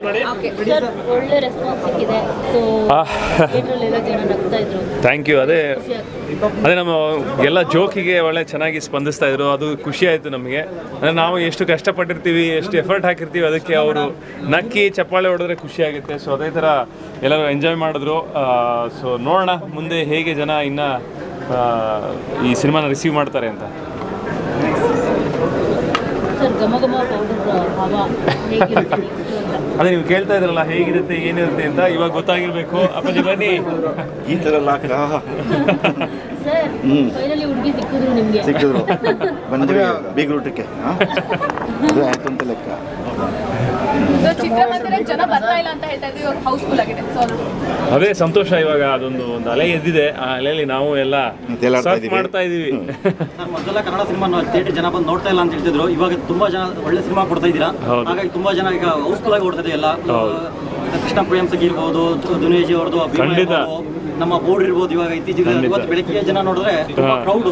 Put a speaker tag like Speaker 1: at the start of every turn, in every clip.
Speaker 1: Sir ಒಳ್ಳೆ response ಸಿಕ್ಕಿದೆ. So ಥಿಯೇಟ್ರಲ್ಲೆಲ್ಲ ಜನ ನಗ್ತಾ ಇದ್ರು.
Speaker 2: Thank you. ಅದೇ ನಮ್ಮ ಎಲ್ಲ ಜೋಕಿಗೆ ಒಳ್ಳೆ ಚೆನ್ನಾಗಿ ಸ್ಪಂದಿಸ್ತಾ ಇದ್ರು. ಅದು ಖುಷಿ ಆಯಿತು ನಮಗೆ. ಅಂದರೆ ನಾವು ಎಷ್ಟು ಕಷ್ಟಪಟ್ಟಿರ್ತೀವಿ, ಎಷ್ಟು ಎಫರ್ಟ್ ಹಾಕಿರ್ತೀವಿ, ಅದಕ್ಕೆ ಅವರು ನಕ್ಕಿ ಚಪ್ಪಾಳೆ ಹೊಡೆದ್ರೆ ಖುಷಿ ಆಗುತ್ತೆ. ಸೊ ಅದೇ ಥರ ಎಲ್ಲರೂ ಎಂಜಾಯ್ ಮಾಡಿದ್ರು. ಸೊ ನೋಡೋಣ ಮುಂದೆ ಹೇಗೆ ಜನ ಇನ್ನು ಈ ಸಿನಿಮಾನ ರಿಸೀವ್ ಮಾಡ್ತಾರೆ ಅಂತ.
Speaker 1: ಸರ್ ಘಮ ಘಮ ಪೌಡರ್ ಹವಾ ಹೇಗಿರುತ್ತೆ
Speaker 2: ಅದೇ ನೀವು ಕೇಳ್ತಾ ಇದ್ರಲ್ಲ ಹೇಗಿರುತ್ತೆ ಏನಿರುತ್ತೆ ಅಂತ, ಇವಾಗ ಗೊತ್ತಾಗಿರ್ಬೇಕು. ಅಪ್ಪಾಜಿ ಬನ್ನಿ.
Speaker 3: ಈ ಥರ
Speaker 1: ಸರ್ ಫೈನಲಿ ಹುಡುಗಿ ಸಿಕ್ಕಿದ್ರು ನಿಮಗೆ?
Speaker 3: ಸಿಕ್ಕಿದ್ರು, ಬಂದ್ವಿ ಬೀಗ್ರೂಟಕ್ಕೆ. ಅದು ಆಯ್ತು ಅಂತ ಲೆಕ್ಕ.
Speaker 4: ಜನ ಬರ್ತಾ ಇಲ್ಲ ಅಂತ ಹೇಳ್ತಾ ಇದ್ವಿ, ಇವಾಗ ಹೌಸ್ಫುಲ್ ಆಗಿದೆ.
Speaker 2: ಅದೇ ಸಂತೋಷ. ಇವಾಗ ಅದೊಂದು ಅಲೆ ಎದ್ದಿದೆ. ಆ ಅಲೆಯಲ್ಲಿ ನಾವು ಎಲ್ಲ ಮಾಡ್ತಾ ಇದೀವಿ.
Speaker 5: ಮೊದಲ ಕನ್ನಡ ಸಿನಿಮಾ ಥಿಯೇಟರ್ ಜನ ಬಂದು ನೋಡ್ತಾ ಇಲ್ಲ ಅಂತ ಹೇಳ್ತಿದ್ರು. ಇವಾಗ ತುಂಬಾ ಜನ ಒಳ್ಳೆ ಸಿನಿಮಾ ಕೊಡ್ತಾ ಇದ್ದೀರಾ. ಹಾಗಾಗಿ ತುಂಬಾ ಜನ ಈಗ ಹೌಸ್ಫುಲ್ ಆಗಿ ಓಡ್ತಾ ಇದೆ ಎಲ್ಲ. ಕೃಷ್ಣ ಪ್ರೇಮ್ ಸಗಿ ಇರ್ಬೋದು, ದುನಿಯಾಜಿ ಅವ್ರದ್ದು, ನಮ್ಮ ಬೋರ್ಡ್ ಇರ್ಬೋದು. ಇವಾಗ ಇತ್ತೀಚೆಗೆ ಇವತ್ತು ಬೆಳಗ್ಗೆ ಜನ ನೋಡಿದ್ರೆ ಕ್ರೌಡ್.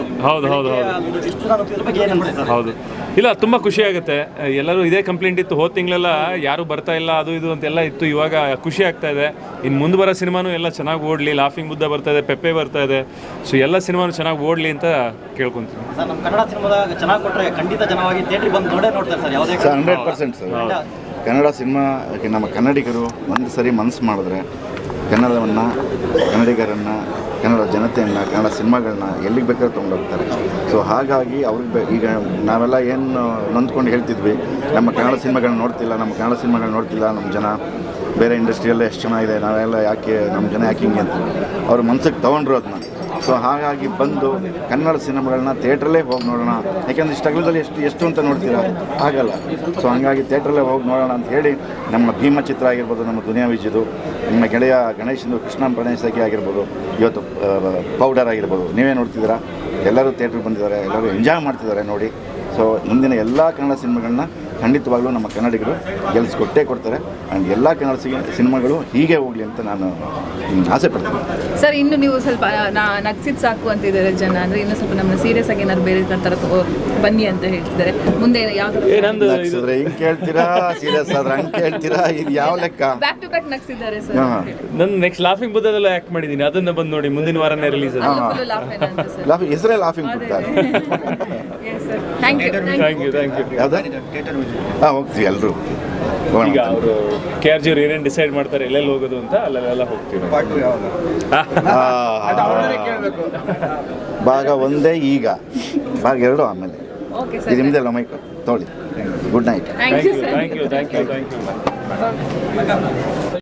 Speaker 2: ಹೌದು, ಇಲ್ಲ ತುಂಬ ಖುಷಿ ಆಗುತ್ತೆ. ಎಲ್ಲರೂ ಇದೇ ಕಂಪ್ಲೇಂಟ್ ಇತ್ತು ಹೋದ ತಿಂಗಳೆಲ್ಲ, ಯಾರು ಬರ್ತಾ ಇಲ್ಲ ಅದು ಇದು ಅಂತೆಲ್ಲ ಇತ್ತು. ಇವಾಗ ಖುಷಿ ಆಗ್ತಾ ಇದೆ. ಇನ್ನು ಮುಂದೆ ಬರೋ ಸಿನಿಮಾನು ಎಲ್ಲ ಚೆನ್ನಾಗಿ ಓಡಲಿ. ಲಾಫಿಂಗ್ ಬುದ್ಧ ಬರ್ತಾ ಇದೆ, ಪೆಪ್ಪೆ ಬರ್ತಾ ಇದೆ. ಸೊ ಎಲ್ಲ ಸಿನಿಮಾನು ಚೆನ್ನಾಗಿ ಓಡಲಿ ಅಂತ ಕೇಳ್ಕೊಂತೀನಿ.
Speaker 5: ಸರ್ ನಮ್ಮ ಕನ್ನಡ ಸಿನಿಮಾದಾಗ ಚೆನ್ನಾಗಿ ಕೊಟ್ಟರೆ ಖಂಡಿತ ಜನವಾಗಿ ಥಿಯೇಟ್ರಿಗೆ ಬಂದು ನೋಡ್ತಾರೆ ಸರ್. ಯಾವುದೇ
Speaker 3: 100% ಸರ್. ಕನ್ನಡ ಸಿನಿಮಾ ನಮ್ಮ ಕನ್ನಡಿಗರು ಒಂದು ಸರಿ ಮನಸ್ಸು ಮಾಡಿದ್ರೆ ಕನ್ನಡವನ್ನು, ಕನ್ನಡಿಗರನ್ನು, ಕನ್ನಡ ಜನತೆಯನ್ನು, ಕನ್ನಡ ಸಿನಿಮಾಗಳನ್ನ ಎಲ್ಲಿಗೆ ಬೇಕಾದ್ರೂ ತೊಗೊಂಡೋಗ್ತಾರೆ. ಸೊ ಹಾಗಾಗಿ ಅವ್ರಿಗೆ ಈಗ ನಾವೆಲ್ಲ ಏನು ನೊಂದ್ಕೊಂಡು ಹೇಳ್ತಿದ್ವಿ, ನಮ್ಮ ಕನ್ನಡ ಸಿನಿಮಾಗಳನ್ನ ನೋಡ್ತಿಲ್ಲ, ನಮ್ಮ ಕನ್ನಡ ಸಿನಿಮಾಗಳನ್ನ ನೋಡ್ತಿಲ್ಲ, ನಮ್ಮ ಜನ ಬೇರೆ ಇಂಡಸ್ಟ್ರಿಯೆಲ್ಲ ಎಷ್ಟು ಚೆನ್ನಾಗಿದೆ, ನಾವೆಲ್ಲ ಯಾಕೆ ನಮ್ಮ ಜನ ಯಾಕೆ ಹಿಂಗೆ ಅಂತ ಅವ್ರ ಮನ್ಸಿಗೆ ತೊಗೊಂಡ್ರು ಅದನ್ನ. ಸೊ ಹಾಗಾಗಿ ಬಂದು ಕನ್ನಡ ಸಿನಿಮಾಗಳನ್ನ ಥಿಯೇಟ್ರಲ್ಲೇ ಹೋಗಿ ನೋಡೋಣ. ಯಾಕೆಂದರೆ ಇಷ್ಟು ಅಗಲದಲ್ಲಿ ಎಷ್ಟು ಅಂತ ನೋಡ್ತೀರಾ, ಆಗಲ್ಲ. ಸೊ ಹಂಗಾಗಿ ಥಿಯೇಟ್ರಲ್ಲೇ ಹೋಗಿ ನೋಡೋಣ ಅಂತ ಹೇಳಿ ನಮ್ಮ ಭೀಮ ಚಿತ್ರ ಆಗಿರ್ಬೋದು, ನಮ್ಮ ದುನಿಯಾ ವಿಜಯದು, ನಮ್ಮ ಗೆಳೆಯ ಗಣೇಶಂದು ಕೃಷ್ಣ ಗಣೇಶಗಿ ಆಗಿರ್ಬೋದು, ಇವತ್ತು ಪೌಡರ್ ಆಗಿರ್ಬೋದು, ನೀವೇ ನೋಡ್ತಿದ್ದೀರಾ. ಎಲ್ಲರೂ ಥಿಯೇಟ್ರಿಗೆ ಬಂದಿದ್ದಾರೆ, ಎಲ್ಲರೂ ಎಂಜಾಯ್ ಮಾಡ್ತಿದ್ದಾರೆ ನೋಡಿ. ಸೊ ಮುಂದಿನ ಎಲ್ಲ ಕನ್ನಡ ಸಿನಿಮಾಗಳನ್ನ ಖಂಡಿತವಾಗ್ಲೂ ನಮ್ಮ ಕನ್ನಡಿಗರು ಗೆಲ್ಲಿಸ್ಕೊಟ್ಟೇ ಕೊಡ್ತಾರೆ. ಆ್ಯಂಡ್ ಎಲ್ಲ ಕನ್ನಡ ಸಿನಿಮಾಗಳು ಹೀಗೆ ಹೋಗಲಿ ಅಂತ ನಾನು ಆಸೆ ಪಡ್ತೀನಿ.
Speaker 4: ಸರ್ ಇನ್ನು ನೀವು ಸ್ವಲ್ಪ ನಗ್ಸಿದ್ ಸಾಕು ಅಂತಿದ್ದಾರೆ ಜನ. ಅಂದರೆ ಇನ್ನೂ ಸ್ವಲ್ಪ ನಮ್ಮನ್ನ ಸೀರಿಯಸ್ ಆಗಿ ಏನಾದ್ರು ಬೇರೆ ಥರ ಬನ್ನಿ ಅಂತ ಹೇಳ್ತಿದ್ದಾರೆ. ಮುಂದೆ ಯಾವ್ದು
Speaker 3: ನಗ್ಸಿದ್ರೆ ಹಿಂಗೆ ಕೇಳ್ತೀರಾ, ಸೀರಿಯಸ್ ಆದ್ರೆ ಹಂಗೆ ಕೇಳ್ತೀರಾ, ಇದು ಯಾವ ಲೆಕ್ಕ?
Speaker 4: ಬ್ಯಾಕ್ ಟು ಬ್ಯಾಕ್ ನಗ್ಸಿದ್ದಾರೆ ಸರ್.
Speaker 2: ನನ್ನ ನೆಕ್ಸ್ಟ್ ಲಾಫಿಂಗ್ ಬುದ್ಧದಲ್ಲ ಆ್ಯಕ್ಟ್ ಮಾಡಿದ್ದೀನಿ, ಅದನ್ನ ಬಂದು ನೋಡಿ. ಮುಂದಿನ ವಾರನೇ ರಿಲೀಸ್.
Speaker 3: ಹೆಸರೇ ಲಾಫಿಂಗ್ ಬುದ್ಧ.
Speaker 4: Thank you.
Speaker 3: ಯಾವ್ದು? ಹಾಂ, ಹೋಗ್ತೀವಿ ಎಲ್ಲರೂ.
Speaker 2: ಈಗ ಅವರು KRG ಅವ್ರು ಏನೇನು ಡಿಸೈಡ್ ಮಾಡ್ತಾರೆ ಎಲ್ಲೆಲ್ಲಿ ಹೋಗೋದು ಅಂತ ಅಲ್ಲೆಲ್ಲ ಹೋಗ್ತೀವಿ.
Speaker 3: ಭಾಗ 1 ಈಗ, ಭಾಗ 2 ಆಮೇಲೆ. ಇದು ನಿಮ್ದೆಲ್ಲ ಮೈಕ್ ತೊಗೊಳ್ಳಿ. Good night.
Speaker 2: Thank you.